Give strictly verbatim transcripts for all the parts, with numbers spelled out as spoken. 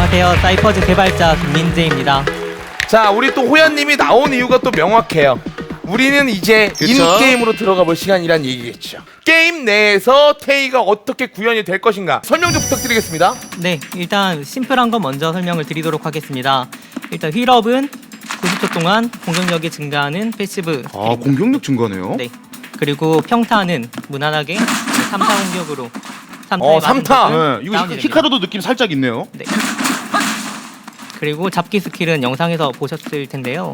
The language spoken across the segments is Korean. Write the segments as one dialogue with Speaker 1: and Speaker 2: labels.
Speaker 1: 안녕하세요. 사이퍼즈 개발자 김민재입니다.
Speaker 2: 자, 우리 또 호연님이 나온 이유가 또 명확해요. 우리는 이제
Speaker 3: 그쵸?
Speaker 2: 인게임으로 들어가 볼 시간이란 얘기겠죠. 게임 내에서 테이가 어떻게 구현이 될 것인가 설명 좀 부탁드리겠습니다.
Speaker 1: 네, 일단 심플한 거 먼저 설명을 드리도록 하겠습니다. 일단 휠업은 구십 초 동안 공격력이 증가하는 패시브
Speaker 3: 아,
Speaker 1: 스킬입니다.
Speaker 3: 공격력 증가네요.
Speaker 1: 네. 그리고 평타는 무난하게 삼 타 공격으로 삼 타에
Speaker 2: 어,
Speaker 1: 맞은
Speaker 2: 삼 타.
Speaker 1: 적은
Speaker 3: 네, 이거
Speaker 1: 다운이
Speaker 3: 히-
Speaker 1: 됩니다.
Speaker 3: 히카루도 느낌 살짝 있네요.
Speaker 1: 네. 그리고 잡기 스킬은 영상에서 보셨을 텐데요.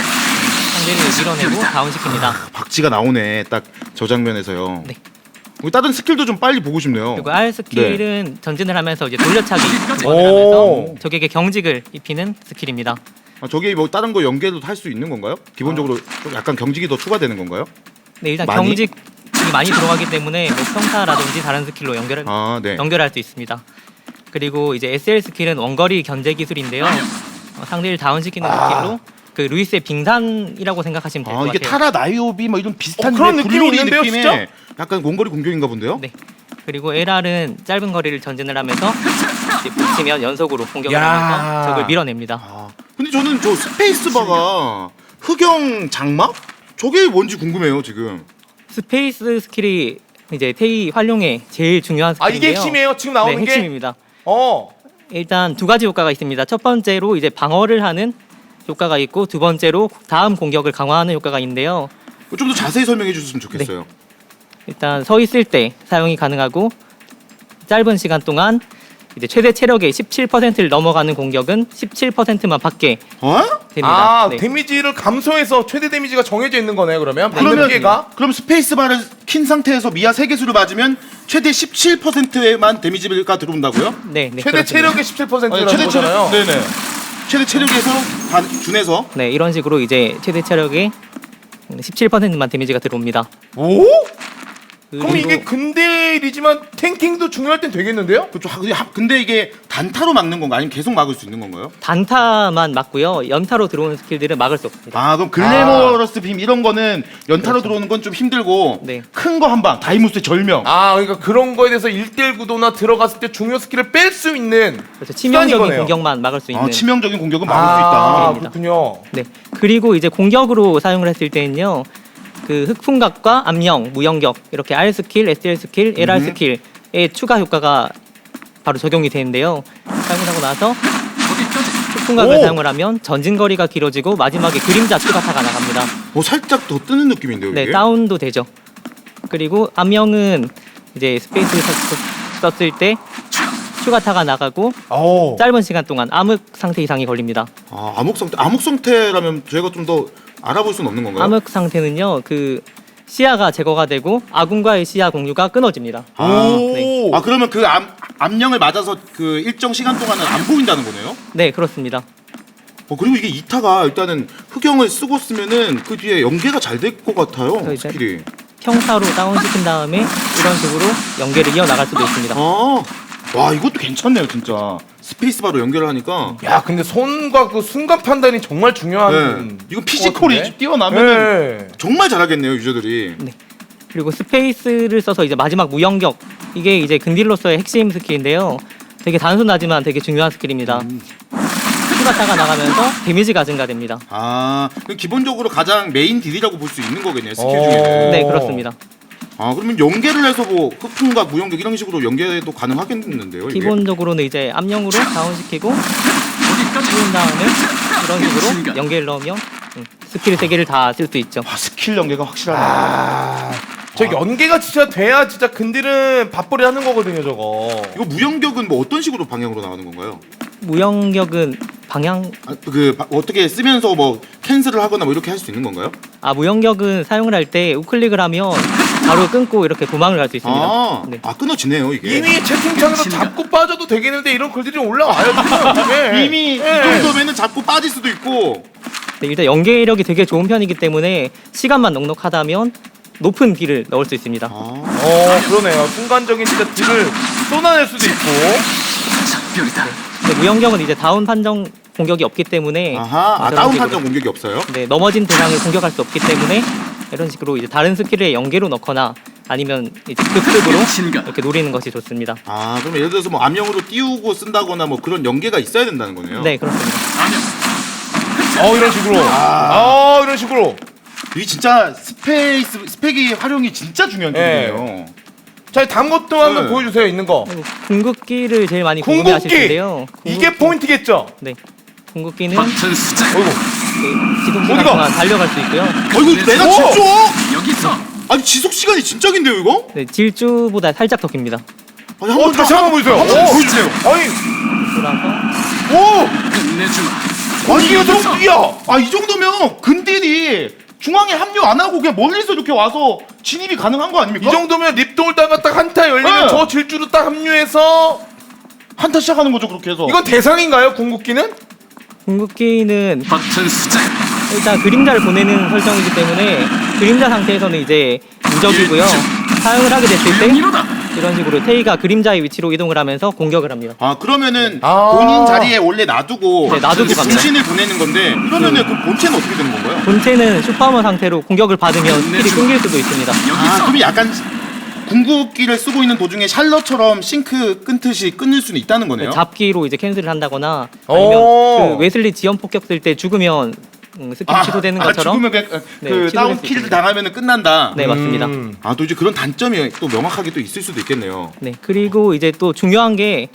Speaker 1: 상대를 밀어내고 다운시킵니다.
Speaker 3: 박쥐가 나오네, 딱 저 장면에서요.
Speaker 1: 네.
Speaker 3: 우리 다른 스킬도 좀 빨리 보고 싶네요.
Speaker 1: 그리고 R 스킬은
Speaker 3: 네.
Speaker 1: 전진을 하면서 이제 돌려차기
Speaker 2: 오.
Speaker 1: 원을 하면서 적에게 경직을 입히는 스킬입니다.
Speaker 3: 아, 저게 뭐 다른 거 연계도 할 수 있는 건가요? 기본적으로 좀 약간 경직이 더 추가되는 건가요?
Speaker 1: 네, 일단
Speaker 3: 많이?
Speaker 1: 경직이 많이 들어가기 때문에 뭐 평타라든지 다른 스킬로 연결
Speaker 3: 아, 네.
Speaker 1: 연결할 수 있습니다. 그리고 이제 에스엘 스킬은 원거리 견제 기술인데요. 어, 상대를 다운시키는 스킬로 그 루이스의 빙산이라고 생각하시면 될 것
Speaker 3: 아,
Speaker 1: 같아요.
Speaker 3: 이게 타라 나이오비 뭐 이런 비슷한
Speaker 2: 어, 그런 느낌이
Speaker 3: 블루리
Speaker 2: 있는데요,
Speaker 3: 느낌의
Speaker 2: 진짜?
Speaker 3: 약간 원거리 공격인가 본데요?
Speaker 1: 네. 그리고 엘알은 짧은 거리를 전진을 하면서 이제 붙이면 연속으로 공격을
Speaker 2: 야.
Speaker 1: 하면서 적을 밀어냅니다.
Speaker 3: 아, 근데 저는 저 스페이스바가 흑영 장막? 저게 뭔지 궁금해요, 지금.
Speaker 1: 스페이스 스킬이 이제 테이 활용의 제일 중요한
Speaker 2: 아,
Speaker 1: 스킬인데요.
Speaker 2: 이게 핵심이에요? 지금 나오는
Speaker 1: 네,
Speaker 2: 게?
Speaker 1: 핵심입니다.
Speaker 2: 어.
Speaker 1: 일단 두 가지 효과가 있습니다. 첫 번째로 이제 방어를 하는 효과가 있고 두 번째로 다음 공격을 강화하는 효과가 있는데요.
Speaker 3: 좀 더 자세히 설명해 주셨으면 좋겠어요.
Speaker 1: 일단 서 있을 때 사용이 가능하고 짧은 시간 동안 이제 최대 체력의 십칠 퍼센트를 넘어가는 공격은 십칠 퍼센트만 받게
Speaker 3: 어?
Speaker 1: 됩니다.
Speaker 2: 아,
Speaker 1: 네.
Speaker 2: 데미지를 감소해서 최대 데미지가 정해져 있는 거네요, 그러면. 받는
Speaker 3: 그러면
Speaker 2: 피해가.
Speaker 3: 그럼 스페이스바를 킨 상태에서 미아 세 개수를 맞으면 최대 십칠 퍼센트에만 데미지가 들어온다고요?
Speaker 1: 네, 네,
Speaker 2: 최대
Speaker 1: 그렇습니다.
Speaker 2: 체력의 십칠 퍼센트라는
Speaker 3: 최대
Speaker 2: 거잖아요.
Speaker 3: 체력. 네네. 최대 체력에서 반 준해서
Speaker 1: 네, 이런 식으로 이제 최대 체력의 십칠 퍼센트만 데미지가 들어옵니다.
Speaker 2: 오? 그럼
Speaker 1: 그리고
Speaker 2: 이게 근딜이지만 탱킹도 중요할 땐 되겠는데요?
Speaker 3: 그렇죠. 하- 근데 하- 근데 이게 단타로 막는 건가 아니면 계속 막을 수 있는 건가요?
Speaker 1: 단타만 맞고요. 연타로 들어오는 스킬들은 막을 수 없습니다.
Speaker 3: 아 그럼 글래머러스 빔 이런 거는 연타로 들어오는 건 좀 힘들고
Speaker 1: 네.
Speaker 3: 큰 거 한 방 다이무스의 절명.
Speaker 2: 아, 그러니까 그런 거에 대해서 일 대일 구도나 들어갔을 때 중요 스킬을 뺄 수 있는
Speaker 1: 그래서 치명적인
Speaker 2: 거네요.
Speaker 1: 공격만 막을 수 있는.
Speaker 3: 아, 치명적인 공격은 막을
Speaker 2: 아,
Speaker 3: 수 있다.
Speaker 1: 있다.
Speaker 2: 그렇군요.
Speaker 1: 네. 그리고 이제 공격으로 사용을 했을 때는요. 그 흑풍각과 암령, 무영격 이렇게 R 스킬, 에스엘 스킬, 엘알
Speaker 3: 음.
Speaker 1: 스킬의 추가 효과가 바로 적용이 되는데요. 사용을 하고 나서 흑풍각을
Speaker 2: 오!
Speaker 1: 사용을 하면 전진 거리가 길어지고 마지막에 그림자 추가타가 나갑니다.
Speaker 3: 어 살짝 더 뜨는 느낌인데요
Speaker 1: 네,
Speaker 3: 이게.
Speaker 1: 다운도 되죠. 그리고 암령은 이제 스페이스 썼- 썼을 때 추가타가 나가고
Speaker 2: 오.
Speaker 1: 짧은 시간 동안 암흑 상태 이상이 걸립니다.
Speaker 3: 아 암흑 상태 암흑 상태라면 저희가 좀 더 알아볼 수는 없는 건가요?
Speaker 1: 암흑 상태는요, 그 시야가 제거가 되고 아군과의 시야 공유가 끊어집니다.
Speaker 3: 아,
Speaker 2: 오.
Speaker 3: 아 그러면 그 암, 암령을 맞아서 그 일정 시간 동안은 안 보인다는 거네요?
Speaker 1: 네, 그렇습니다.
Speaker 3: 어 그리고 이게 이타가 일단은 흑영을 쓰고 쓰면은 그 뒤에 연계가 잘 될 것 같아요
Speaker 1: 그래서 이제-
Speaker 3: 스킬이.
Speaker 1: 평타로 다운시킨 다음에 이런 식으로 연계를 이어나갈 수도 있습니다.
Speaker 3: 아, 와 이것도 괜찮네요 진짜. 스페이스바로 연결을 하니까.
Speaker 2: 야, 근데 손과 그 순간 판단이 정말 중요한.
Speaker 3: 네. 이거 피지컬이 뛰어나면
Speaker 2: 네.
Speaker 3: 정말 잘하겠네요 유저들이.
Speaker 1: 그리고 스페이스를 써서 이제 마지막 무영격, 이게 이제 근딜로서의 핵심 스킬인데요. 되게 단순하지만 되게 중요한 스킬입니다. 추가타가 나가면서 데미지가 증가됩니다.
Speaker 3: 아, 그럼 기본적으로 가장 메인 딜이라고 볼 수 있는 거겠네요 스킬
Speaker 2: 오.
Speaker 3: 중에는.
Speaker 1: 네, 그렇습니다.
Speaker 3: 아 그러면 연계를 해서 뭐 흑풍과 무영격 이런 식으로 연계도 가능하겠는데요 이게?
Speaker 1: 기본적으로는 이제 암령으로 다운시키고 씌운 다음에 이런 식으로 연계를 넣으면 음, 스킬 세 개를 다 쓸 수 있죠.
Speaker 3: 아 스킬 연계가 확실하네.
Speaker 2: 아, 저 연계가 진짜 돼야 진짜 근딜은 밥벌이 하는 거거든요, 저거.
Speaker 3: 이거 무영격은 뭐 어떤 식으로 방향으로 나가는 건가요?
Speaker 1: 무영격은 방향
Speaker 3: 아, 그 바- 어떻게 쓰면서 뭐 캔슬을 하거나 뭐 이렇게 할 수 있는 건가요?
Speaker 1: 아 무영격은 사용을 할 때 우클릭을 하면 바로 끊고 이렇게 도망을 갈 수 있습니다.
Speaker 3: 아,
Speaker 1: 네.
Speaker 3: 아 끊어지네요 이게.
Speaker 2: 이미 채팅창에서 잡고 빠져도 되겠는데 이런 글들이 올라와요, 지금. 예.
Speaker 3: 이미
Speaker 2: 예.
Speaker 3: 이 정도면은 잡고 빠질 수도 있고.
Speaker 1: 네, 일단 연계력이 되게 좋은 편이기 때문에 시간만 넉넉하다면 높은 딜을 넣을 수 있습니다.
Speaker 3: 아,
Speaker 2: 어, 그러네요. 순간적인 진짜 딜을 쏟아낼 수도 있고.
Speaker 1: 근데 무영격은 이제 다운 판정 공격이 없기 때문에
Speaker 3: 아하, 아
Speaker 1: 이런
Speaker 3: 다운
Speaker 1: 식으로,
Speaker 3: 판정 공격이 없어요?
Speaker 1: 네, 넘어진 대상을 공격할 수 없기 때문에 이런 식으로 이제 다른 스킬에 연계로 넣거나 아니면 이제 급습으로 이렇게 노리는 것이 좋습니다.
Speaker 3: 아 그럼 예를 들어서 뭐 암영으로 띄우고 쓴다거나 뭐 그런 연계가 있어야 된다는 거네요.
Speaker 1: 네, 그렇습니다.
Speaker 2: 어 이런 식으로.
Speaker 3: 아.
Speaker 2: 어 이런 식으로.
Speaker 3: 이게 진짜 스페이스 스펙이 활용이 진짜 중요한
Speaker 2: 네.
Speaker 3: 게임이에요.
Speaker 2: 자 다음 것도 한번
Speaker 3: 네.
Speaker 2: 보여주세요. 있는 거.
Speaker 1: 그리고 궁극기를 제일 많이 궁금해하실
Speaker 2: 궁극기.
Speaker 1: 텐데요.
Speaker 2: 이게
Speaker 1: 궁극기.
Speaker 2: 포인트겠죠.
Speaker 1: 네, 궁극기는
Speaker 2: 어이구.
Speaker 1: 지속 시간
Speaker 2: 어디가?
Speaker 1: 동안 달려갈 수 있고요.
Speaker 3: 어이구 내가
Speaker 2: 오!
Speaker 3: 질주?
Speaker 4: 여기 있어.
Speaker 3: 아니 지속 시간이 진짜 긴데요 이거?
Speaker 1: 네, 질주보다 살짝 더 깁니다.
Speaker 3: 아니
Speaker 2: 어
Speaker 3: 한번
Speaker 2: 다시 한번 보여주세요.
Speaker 3: 한번
Speaker 2: 오.
Speaker 3: 보여주세요.
Speaker 2: 아니
Speaker 1: 돌아서
Speaker 2: 오.
Speaker 4: 끝내주마.
Speaker 3: 아니
Speaker 2: 이거
Speaker 3: 이
Speaker 2: 좀
Speaker 3: 정도
Speaker 2: 뛰어.
Speaker 3: 아이 정도면 근딜이 중앙에 합류 안 하고 그냥 멀리서 이렇게 와서 진입이 가능한 거 아닙니까?
Speaker 2: 이 정도면 립돌 다가 딱 한타 열리면
Speaker 3: 네.
Speaker 2: 저 질주로 딱 합류해서
Speaker 3: 한타 시작하는 거죠 그렇게 해서.
Speaker 2: 이건 대상인가요 궁극기는?
Speaker 1: 궁극기는
Speaker 4: 버튼 수작.
Speaker 1: 일단 그림자를 보내는 설정이기 때문에 그림자 상태에서는 이제 무적이고요. 사용을 하게 됐을 때
Speaker 4: 이로다.
Speaker 1: 이런 식으로 테이가 그림자의 위치로 이동을 하면서 공격을 합니다.
Speaker 3: 아 그러면은
Speaker 2: 아.
Speaker 3: 본인 자리에 원래 놔두고
Speaker 1: 네, 놔두고 갑니다.
Speaker 3: 분신을 보내는 건데 이러면은 그 본체는 어떻게 되는 건가요?
Speaker 1: 본체는 슈퍼머 상태로 공격을 받으면 스킬이 끊길 수도 있습니다.
Speaker 3: 아
Speaker 4: 여기서.
Speaker 3: 그럼 약간 궁극기를 쓰고 있는 도중에 샬럿처럼 싱크 끊듯이 끊을 수는 있다는 거네요.
Speaker 1: 잡기로 이제 캔슬을 한다거나 아니면
Speaker 2: 오.
Speaker 1: 그 웨슬리 지연 폭격 쓸 때 죽으면 음, 스킬 취소되는 것처럼
Speaker 3: 아, 죽으면 그,
Speaker 1: 네,
Speaker 3: 그
Speaker 1: 취소될
Speaker 3: 다운
Speaker 1: 수
Speaker 3: 킬
Speaker 1: 있습니다.
Speaker 3: 당하면은 끝난다.
Speaker 1: 네, 맞습니다.
Speaker 2: 음.
Speaker 3: 아 또 이제 그런 단점이 또 명확하게 또 있을 수도 있겠네요.
Speaker 1: 네, 그리고 이제 또 중요한 게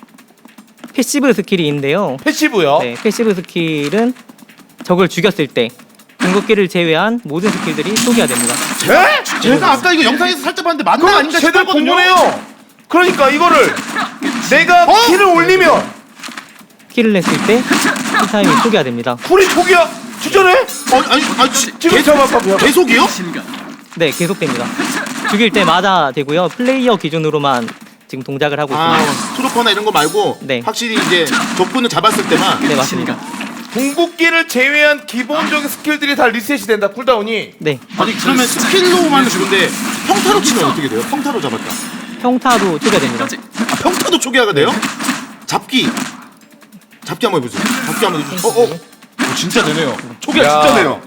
Speaker 1: 패시브 스킬이 있는데요.
Speaker 2: 패시브요.
Speaker 1: 네, 패시브 스킬은 적을 죽였을 때 궁극기를 제외한 모든 스킬들이 초기화됩니다.
Speaker 2: 에?
Speaker 3: 제가 아까 이거 영상에서 살짝 봤는데 맞나
Speaker 2: 그거
Speaker 3: 아닌가
Speaker 2: 제대로
Speaker 3: 싶었거든요.
Speaker 2: 궁금해요. 그러니까 이거를 내가
Speaker 3: 어?
Speaker 2: 키를 올리면
Speaker 1: 스킬을 냈을 때 쿨타임이 초기화됩니다.
Speaker 2: 쿨이 초기야. 주전해?
Speaker 3: 어, 아니 아니 지-
Speaker 2: 지금
Speaker 3: 계-
Speaker 2: 잡아봐.
Speaker 3: 계속이요?
Speaker 4: 신가.
Speaker 1: 네, 계속됩니다. 죽일 때마다 되고요. 플레이어 기준으로만 지금 동작을 하고
Speaker 3: 아
Speaker 1: 있습니다.
Speaker 3: 트루퍼나 이런 거 말고
Speaker 1: 네.
Speaker 3: 확실히 이제 적군을 잡았을 때만.
Speaker 1: 네, 맞습니다.
Speaker 2: 궁극기를 제외한 기본적인 스킬들이 다 리셋이 된다. 쿨다운이.
Speaker 1: 네,
Speaker 3: 아니 그러면 스킬로만 주는데 평타로 치면 어떻게 돼요? 평타로 잡았다.
Speaker 1: 평타도 초기화됩니다.
Speaker 3: 아, 평타도 초기화가 돼요? 잡기. 잡기 한번 해보세요. 잡기 한번 해주세요. 어, 어. 어, 진짜 되네요. 초기화
Speaker 2: 야.
Speaker 3: 진짜 돼요.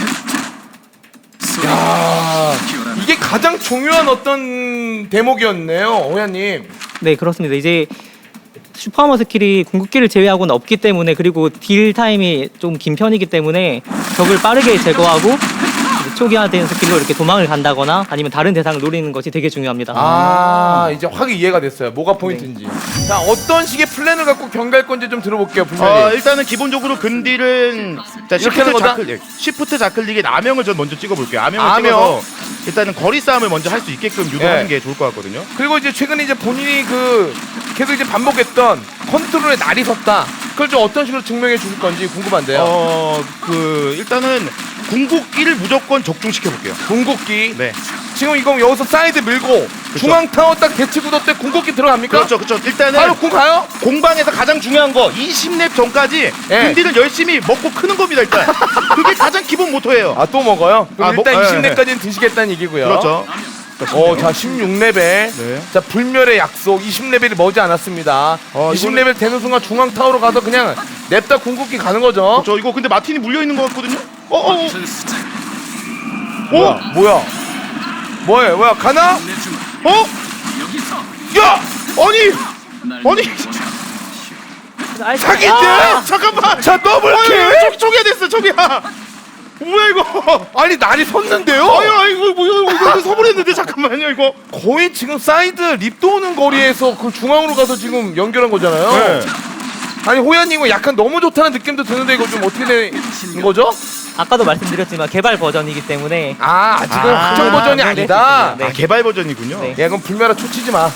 Speaker 2: 야, 이게 가장 중요한 어떤 대목이었네요, 호야님.
Speaker 1: 네, 그렇습니다. 이제 슈퍼머 스킬이 궁극기를 제외하고는 없기 때문에 그리고 딜 타임이 좀 긴 편이기 때문에 적을 빠르게 제거하고 이제 초기화된 스킬로 이렇게 도망을 간다거나 아니면 다른 대상을 노리는 것이 되게 중요합니다.
Speaker 2: 아, 이제 확 이해가 됐어요. 뭐가 포인트인지. 자, 어떤 식의 플랜을 갖고 경기할 건지 좀 들어볼게요,
Speaker 3: 어,
Speaker 2: 분명히.
Speaker 3: 일단은 기본적으로 근딜은 자,
Speaker 2: 이렇게 하는
Speaker 3: 시프트
Speaker 2: 거다?
Speaker 3: 자클릭, 시프트 자클릭에 암영을 전 먼저 찍어볼게요. 암영을
Speaker 2: 암영.
Speaker 3: 찍어서 일단은 거리 싸움을 먼저 할 수 있게끔 유도하는
Speaker 2: 예.
Speaker 3: 게 좋을 것 같거든요.
Speaker 2: 그리고 이제 최근에 이제 본인이 그 계속 이제 반복했던 컨트롤에 날이 섰다. 그걸 좀 어떤 식으로 증명해 줄 건지 궁금한데요.
Speaker 3: 어, 그 일단은 궁극기를 무조건 적중시켜 볼게요.
Speaker 2: 궁극기.
Speaker 3: 네.
Speaker 2: 지금 이거 여기서 사이드 밀고 중앙 타워 딱 대치 구도 때 궁극기 들어갑니까?
Speaker 3: 그렇죠, 그렇죠. 일단은
Speaker 2: 바로 궁 가요?
Speaker 3: 공방에서 가장 중요한 거 이십 렙 전까지
Speaker 2: 예.
Speaker 3: 근딜을 열심히 먹고 크는 겁니다. 일단 그게 가장 기본 모토예요.
Speaker 2: 아, 또 먹어요? 그럼
Speaker 3: 아,
Speaker 2: 일단
Speaker 3: 먹-
Speaker 2: 이십
Speaker 3: 예,
Speaker 2: 렙까지는 드시겠다는 얘기고요.
Speaker 3: 그렇죠.
Speaker 2: 어, 자, 십육 레벨.
Speaker 3: 네.
Speaker 2: 자, 불멸의 약속 이십 레벨이 머지 않았습니다.
Speaker 3: 어,
Speaker 2: 이십 레벨 되는 순간 중앙 타워로 가서 그냥 냅다 궁극기 가는 거죠.
Speaker 3: 저 이거 근데 마틴이 물려 있는 것 같거든요. 어, 어, 어.
Speaker 4: 버튼 수작.
Speaker 2: 뭐야? 뭐야? 뭐야? 뭐야? 가나?
Speaker 4: 끝내주마.
Speaker 3: 어?
Speaker 4: 여기서.
Speaker 2: 야!
Speaker 3: 아니,
Speaker 4: 날
Speaker 3: 아니.
Speaker 1: 아,
Speaker 2: 사기인데?
Speaker 3: 아, 잠깐만.
Speaker 2: 자, 더블킬!
Speaker 3: 저기 저기야 됐어, 저기야. 뭐야 이거?
Speaker 2: 아니, 날이 섰는데요?
Speaker 3: 아유, 아이고 뭐야 이거 서버렸는데 잠깐만요 이거.
Speaker 2: 거의 지금 사이드 립 도는 거리에서 그 중앙으로 가서 지금 연결한 거잖아요.
Speaker 3: 네.
Speaker 2: 아니, 호야님 이거 약간 너무 좋다는 느낌도 드는데 이거 좀 어떻게 된 거죠?
Speaker 1: 아까도 말씀드렸지만 개발 버전이기 때문에
Speaker 2: 아, 아직은
Speaker 3: 아,
Speaker 2: 확정 버전이
Speaker 1: 네,
Speaker 2: 아니다.
Speaker 1: 네.
Speaker 3: 아 개발 버전이군요.
Speaker 1: 네.
Speaker 2: 야, 그럼 불멸아 초치지 마.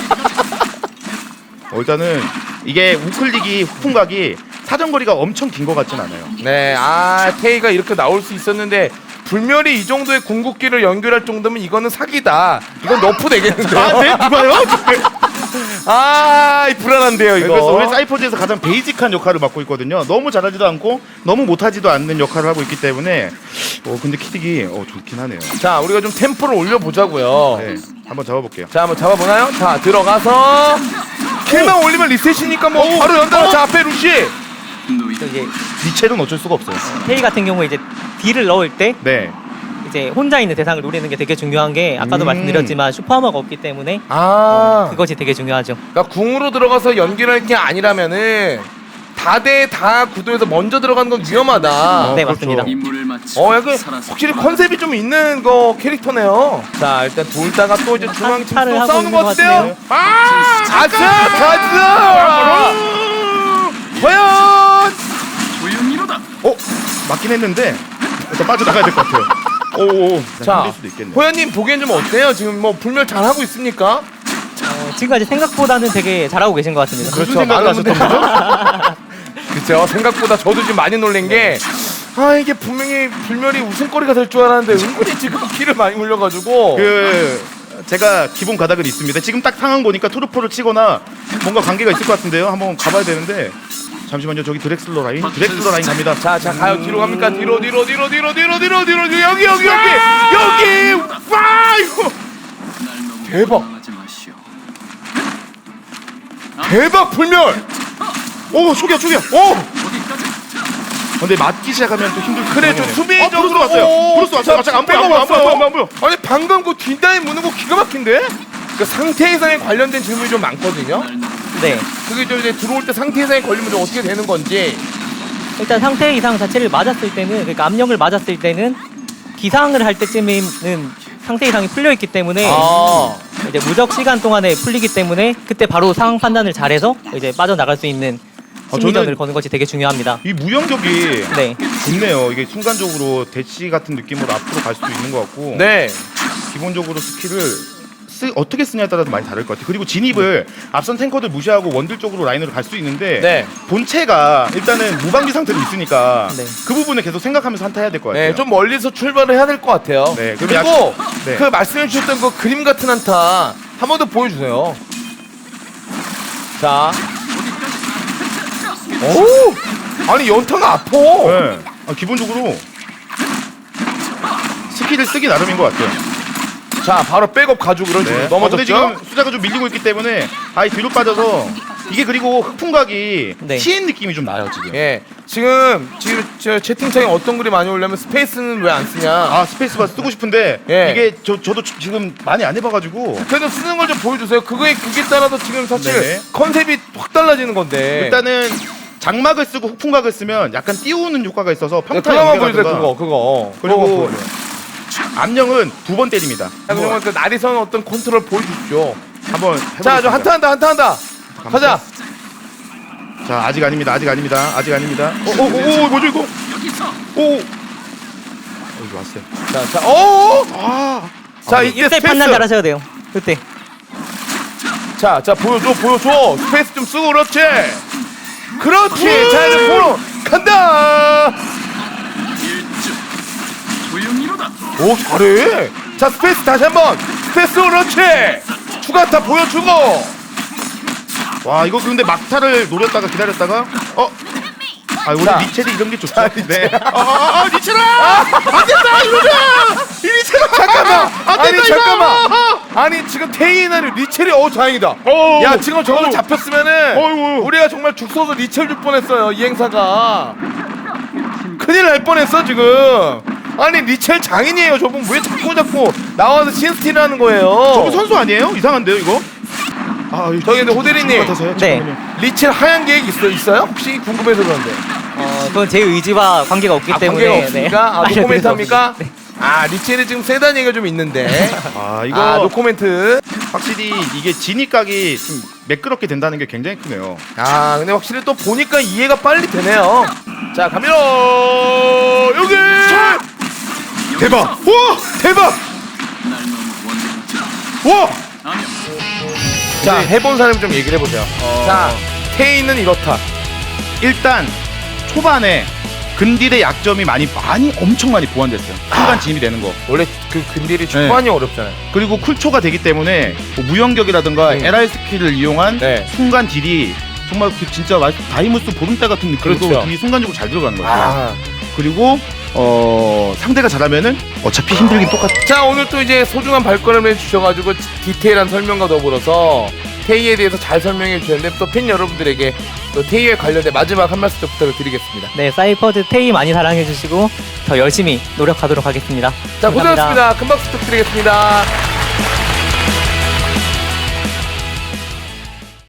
Speaker 3: 어, 일단은 이게 우클릭이 후풍각이 사정거리가 엄청 긴 것 같진 않아요.
Speaker 2: 네, 아, 테이가 이렇게 나올 수 있었는데 불멸이 이 정도의 궁극기를 연결할 정도면 이거는 사기다. 이건 너프 되겠는데요?
Speaker 3: 아, 네 누가요?
Speaker 2: 아, 이 불안한데요, 이거.
Speaker 3: 그래서 우리 사이퍼즈에서 가장 베이직한 역할을 맡고 있거든요. 너무 잘하지도 않고 너무 못하지도 않는 역할을 하고 있기 때문에 어 근데 키딕이 어 좋긴 하네요.
Speaker 2: 자, 우리가 좀 템포를 올려보자고요.
Speaker 3: 네, 한번 잡아볼게요.
Speaker 2: 자, 한번 잡아보나요? 자, 들어가서 킬만 올리면 리셋이니까 뭐
Speaker 3: 오,
Speaker 2: 바로 연달아.
Speaker 3: 어.
Speaker 2: 자, 앞에 루시.
Speaker 1: 또 이제
Speaker 3: 리첼은 어쩔 수가 없어요.
Speaker 1: 테이 같은 경우에 이제 딜을 넣을 때
Speaker 3: 네.
Speaker 1: 이제 혼자 있는 대상을 노리는 게 되게 중요한 게 아까도
Speaker 3: 음.
Speaker 1: 말씀드렸지만 슈퍼하머가 없기 때문에
Speaker 2: 아
Speaker 1: 그것이 되게 중요하죠.
Speaker 2: 그러니까 궁으로 들어가서 연기를 할 게 아니라면은 다대다 구도에서 먼저 들어가는 건 위험하다.
Speaker 1: 네,
Speaker 3: 그렇죠.
Speaker 1: 맞습니다.
Speaker 4: 임무를 마치고
Speaker 2: 어 약간
Speaker 4: 살아서
Speaker 2: 확실히 컨셉이 좀 있는 거 캐릭터네요. 자 일단 둘다가 또 이제 중앙 팀
Speaker 1: 한타를
Speaker 2: 또
Speaker 1: 하고
Speaker 2: 싸우는
Speaker 1: 있는
Speaker 2: 것
Speaker 1: 것
Speaker 2: 같은데요.
Speaker 1: 같은데요.
Speaker 2: 아 가자 가자. 과연
Speaker 4: 조용히로다.
Speaker 3: 어 맞긴 했는데 일단 빠져나가야 될 것 같아요. 오오.
Speaker 2: 자
Speaker 3: 힘들 수도 있겠네.
Speaker 2: 호연님 보기엔 좀 어때요? 지금 뭐 불멸 잘 하고 있습니까?
Speaker 1: 어, 지금까지 생각보다는 되게 잘하고 계신 것 같습니다.
Speaker 3: 무슨 생각을
Speaker 2: 많은
Speaker 3: 하셨던 거죠?
Speaker 2: 그렇죠. 생각보다 저도 지금 많이 놀란 게 아 이게 분명히 불멸이 웃음거리가 될 줄 알았는데 은근히 지금 키를 많이 물려가지고
Speaker 3: 그 제가 기본 가닥은 있습니다. 지금 딱 상황 보니까 투르포를 치거나 뭔가 관계가 있을 것 같은데요. 한번 가봐야 되는데 잠시만요. 저기 드렉슬러 라인, 드렉슬러 라인 갑니다.
Speaker 2: 자자 가요. 뒤로 갑니까? 뒤로 뒤로 뒤로 뒤로 뒤로 뒤로 뒤로 뒤로 여기 여기 여기 여기 와 이거
Speaker 4: 날 너무
Speaker 2: 대박.
Speaker 4: 원망하지 마시오.
Speaker 2: 대박 불멸.
Speaker 3: 오 초기야 초기야.
Speaker 2: 오
Speaker 4: 어디까지?
Speaker 3: 근데 맞기 시작하면 또 힘들.
Speaker 2: 그래 좀 수비적으로
Speaker 3: 어, 브루스 왔어요.
Speaker 2: 오,
Speaker 3: 브루스 왔어요.
Speaker 2: 자,
Speaker 3: 갑자기 안 보여,
Speaker 2: 백업
Speaker 3: 안 보여, 안
Speaker 2: 왔어요.
Speaker 3: 보여, 안 보여.
Speaker 2: 아니 방금 그 뒷다리 무는 거 기가 막힌데? 그 상태 이상에 관련된 질문이 좀 많거든요.
Speaker 4: 날 너무
Speaker 1: 네.
Speaker 2: 그게 좀 이제 들어올 때 상태 이상에 걸리면 좀 어떻게 되는 건지.
Speaker 1: 일단 상태 이상 자체를 맞았을 때는 그러니까 압력을 맞았을 때는 기상을 할 때쯤에는 상태 이상이 풀려 있기 때문에
Speaker 2: 아.
Speaker 1: 이제 무적 시간 동안에 풀리기 때문에 그때 바로 상황 판단을 잘해서 이제 빠져나갈 수 있는
Speaker 3: 아,
Speaker 1: 심리전을
Speaker 3: 저는-
Speaker 1: 거는 것이 되게 중요합니다.
Speaker 3: 이 무영격이
Speaker 1: 네.
Speaker 3: 좋네요. 이게 순간적으로 대치 같은 느낌으로 앞으로 갈 수도 있는 것 같고.
Speaker 2: 네.
Speaker 3: 기본적으로 스킬을 쓰, 어떻게 쓰냐에 따라서 많이 다를 것 같아요. 그리고 진입을 앞선 탱커들 무시하고 원딜 쪽으로 라인으로 갈 수 있는데
Speaker 2: 네.
Speaker 3: 본체가 일단은 무방비 상태로 있으니까
Speaker 1: 네.
Speaker 3: 그 부분을 계속 생각하면서 한타해야 될 것 같아요.
Speaker 2: 네, 좀 멀리서 출발을 해야 될 것 같아요.
Speaker 3: 네, 그럼
Speaker 2: 그리고
Speaker 3: 약- 네.
Speaker 2: 그 말씀해 주셨던 그 그림 같은 한타 한 번 더 보여주세요. 자, 오, 아니 연타가 아파.
Speaker 3: 네. 아, 기본적으로 스킬을 쓰기 나름인 것 같아요.
Speaker 2: 자, 바로 백업 가지고 그런 식으로
Speaker 3: 네. 어, 근데
Speaker 2: 넘어졌죠.
Speaker 3: 지금 숫자가 좀 밀리고 있기 때문에 아예 뒤로 빠져서 이게 그리고 흑풍각이
Speaker 1: 네.
Speaker 3: 티엔 느낌이 좀 나요 지금.
Speaker 2: 예, 지금 지금 저 채팅창에 어떤 글이 많이 올려면 스페이스는 왜 안 쓰냐?
Speaker 3: 아 스페이스바 쓰고 싶은데
Speaker 2: 예.
Speaker 3: 이게 저 저도 지금 많이 안 해봐가지고
Speaker 2: 그래도 쓰는 걸 좀 보여주세요. 그거에 그게 따라서 지금 사실
Speaker 3: 네네.
Speaker 2: 컨셉이 확 달라지는 건데.
Speaker 3: 일단은 장막을 쓰고 흑풍각을 쓰면 약간 띄우는 효과가 있어서
Speaker 2: 네,
Speaker 3: 평타
Speaker 2: 그거 한번 보여주세요.
Speaker 3: 연계라든가
Speaker 2: 그거 그거.
Speaker 3: 그리고
Speaker 2: 그거 보여줘요.
Speaker 3: 암령은 두 번 때립니다.
Speaker 2: 자, 그러면 그 나리선 어떤 컨트롤 보여주십시오.
Speaker 3: 한번 해보겠습니다.
Speaker 2: 자, 저 한타 한다, 한타 한다. 가자.
Speaker 3: 자 아직 아닙니다. 아직 아닙니다. 아직 아닙니다. 오오오 뭐죠 이거?
Speaker 4: 여기서
Speaker 3: 오. 어, 여기 왔어요.
Speaker 2: 자, 자, 오.
Speaker 3: 아.
Speaker 2: 자, 이때
Speaker 1: 이때 판단
Speaker 2: 스페이스.
Speaker 1: 잘하셔야 돼요. 그때.
Speaker 2: 자, 자, 보여줘, 보여줘. 스페이스 좀 쓰고 그렇지. 그렇지. 자, 이제 보러 간다.
Speaker 4: 일주 조용히로다.
Speaker 2: 오, 잘해. 자, 스페이스 다시 한번. 스페이스 그렇지. 추가타 보여주고.
Speaker 3: 와 이거 근데 막타를 노렸다가 기다렸다가 어. 아 원래
Speaker 2: 자.
Speaker 3: 리첼이 이런 게 좋죠.
Speaker 2: 자,
Speaker 3: 네. 아, 아, 아 리첼아! 안 된다 이러자. 이 리첼아
Speaker 2: 잠깐만.
Speaker 3: 안
Speaker 2: 아니,
Speaker 3: 된다
Speaker 2: 잠깐만.
Speaker 3: 이거.
Speaker 2: 아니, 지금 테이나리 리첼이 어 다행이다.
Speaker 3: 어.
Speaker 2: 야, 지금 저거
Speaker 3: 어.
Speaker 2: 잡혔으면은
Speaker 3: 어이구.
Speaker 2: 우리가 정말 죽 서서 리첼 줄 뻔했어요. 이 행사가. 큰일 날 뻔했어 지금. 아니 리첼 장인이에요. 저분 왜 자꾸 자꾸 나와서 신스틸을 하는 거예요?
Speaker 3: 저거 선수 아니에요? 이상한데요 이거? 아 이거
Speaker 2: 저기 근데 호대리님.
Speaker 3: 같아서요?
Speaker 1: 네.
Speaker 3: 잠깐만요.
Speaker 2: 리첼 하얀 계획 있어, 있어요? 혹시 궁금해서 그런데.
Speaker 1: 어, 그건 제 의지와 관계가 없기
Speaker 2: 아,
Speaker 1: 때문에.
Speaker 2: 관계가 없습니까? 아,
Speaker 1: 알려드릴
Speaker 2: 노코멘트
Speaker 1: 수
Speaker 2: 합니까?
Speaker 1: 없- 네.
Speaker 2: 아, 리첼이 지금 세단 얘기가 좀 있는데.
Speaker 3: 아 이거
Speaker 2: 아, 노코멘트.
Speaker 3: 확실히 이게 진입각이 좀 매끄럽게 된다는 게 굉장히 크네요.
Speaker 2: 아, 근데 확실히 또 보니까 이해가 빨리 되네요. 자, 갑니다. 여기! 대박! 와! 대박!
Speaker 4: 날 너무 원망하지
Speaker 2: 와!
Speaker 4: 마. 아니요.
Speaker 2: 자, 해본 사람 좀 얘기를 해보세요.
Speaker 3: 어.
Speaker 2: 자, 테이는 이렇다.
Speaker 3: 일단 초반에 근딜의 약점이 많이 많이 엄청 많이 보완됐어요. 순간 진입이 되는 거.
Speaker 2: 원래 그 근딜이 초반이 어렵잖아요.
Speaker 3: 그리고 쿨초가 되기 때문에 뭐 무영격이라든가
Speaker 2: 음.
Speaker 3: 엘알 스킬을 이용한
Speaker 2: 네.
Speaker 3: 순간 딜이 정말 그 진짜 말- 다이무스 보름달 같은 느낌으로
Speaker 2: 그렇죠.
Speaker 3: 딜이 순간적으로 잘 들어가는 거예요.
Speaker 2: 아.
Speaker 3: 그리고 어 상대가 잘하면은 어차피 힘들긴 똑같아.
Speaker 2: 자, 오늘 또 이제 소중한 발걸음을 해주셔가지고 디테일한 설명과 더불어서 테이에 대해서 잘 설명해 주셨는데 또 팬 여러분들에게 또 테이에 관련된 마지막 한 말씀 좀 부탁을 드리겠습니다.
Speaker 1: 네, 사이퍼즈 테이 많이 사랑해주시고 더 열심히 노력하도록 하겠습니다.
Speaker 2: 자,
Speaker 1: 감사합니다.
Speaker 2: 고생하셨습니다. 금방 부탁드리겠습니다.